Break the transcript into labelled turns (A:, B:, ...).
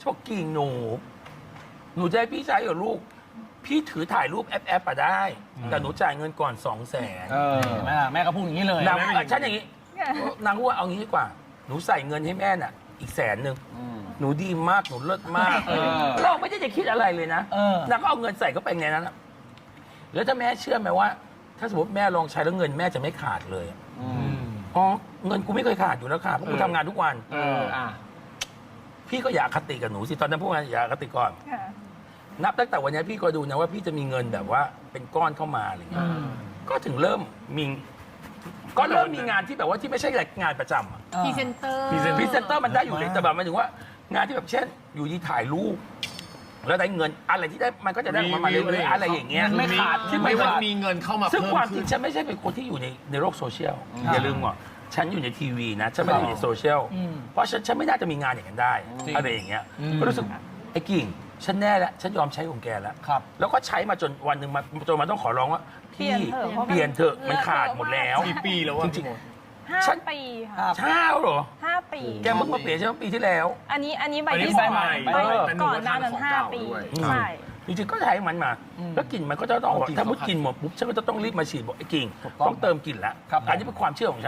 A: ฉันบอกกิ่งหนูจะให้พี่ใช้เหรอลูกพี่ถือถ่ายรูปแอปอะได้แต่หนูจ่ายเงินก่อน200,000
B: แม่แม่ก็พูดอย่างนี้เลย
A: นางฉันอย่างนี้นางพูดว่าเอางี้ดีกว่าหนูใส่เงินให้แม่น่ะอีก100,000หนูดีมากหนูเลิศมากเราไม่ได้จะคิดอะไรเลยนะนางก็เอาเงินใส่เข้าไปในนั้นแล้วถ้าแม่เชื่อไหมว่า ถ้าสมมติแม่ลองใช้แล้วเงินแม่จะไม่ขาดเลยอ๋อเงินกูไม่เคยขาดอยู่แล้วค่ะเพราะกูทำงานทุกวันพี่ก็อย่าอคติกับหนูสิตอนนั้นพูดมาอย่าอคติก่อนนับตั้งแต่วันนี้พี่ก็ดูนะว่าพี่จะมีเงินแบบว่าเป็นก้อนเข้ามาอะไรเงี้ยก็ถึงเริ่มมีงานที่แบบว่าที่ไม่ใช่งานประจำ
C: พรีเซนเตอร์
A: พรีเซนเตอร์มันได้อยู่เลยแต่แบบหมายถึงว่างานที่แบบเช่น อยู่ดีถ่ายรูปแล้วได้เงินอะไรที่ได้มันก็จะได้มาเรื่อยๆอะไรอย่างเงี้ย
B: ไม่ขาด
A: ที่ไม่ขาด
D: มีเงินเข้ามา
A: ซึ่ง
D: เพิ่ม
A: ความจ
D: ขึ้
A: ริ
D: น
A: งฉันไม่ใช่เป็นคนที่อยู่ในโลกโซเชียลอย่าลืมว่าฉันอยู่ในทีวีนะฉันไม่ได้อยู่ในโซเชียลเพราะฉันไม่น่าจะมีงานอย่างนั้นได้อะไรอย่างเงี้ยก็รู้สึกไอ้กิ่งฉันแน่แล้วฉันยอมใช้ของแกแล้วแล้วก็ใช้มาจนวันหนึ่งจนมันต้องขอร้องว่าพี่เปลี่ยนเถอะมันขาดหมดแล้ว
D: กี่ปีแล้ววะ
A: จริง
C: 5 ปีค่ะ
A: ๆเช้าเหรอ
C: 5 ปี
A: แกเพิ่งมาเปลี่ยนใช่ไหมปีที่แล้ว
C: อันนี้ใบ
D: อันนี้
C: ที่
D: ใบ
C: 2
D: ใหม่
C: ใบ
D: แต่หนู
C: ก่อน
D: ก็
C: หน้านั้น
D: ทานของ
C: 5
D: เก่า
C: ปี
D: ด้วย
C: ใช่
A: จริงๆก็ใช้มันมาแล้วกลิ่นมันก็จะต้องถ้ามุดกลิ่นหมดปุ๊บฉันก็จะต้องรีบมาฉีดบอกไอ้กิ่งต้องเติมกลิ่นแล้วอันนี้เป็นความเชื่อของฉัน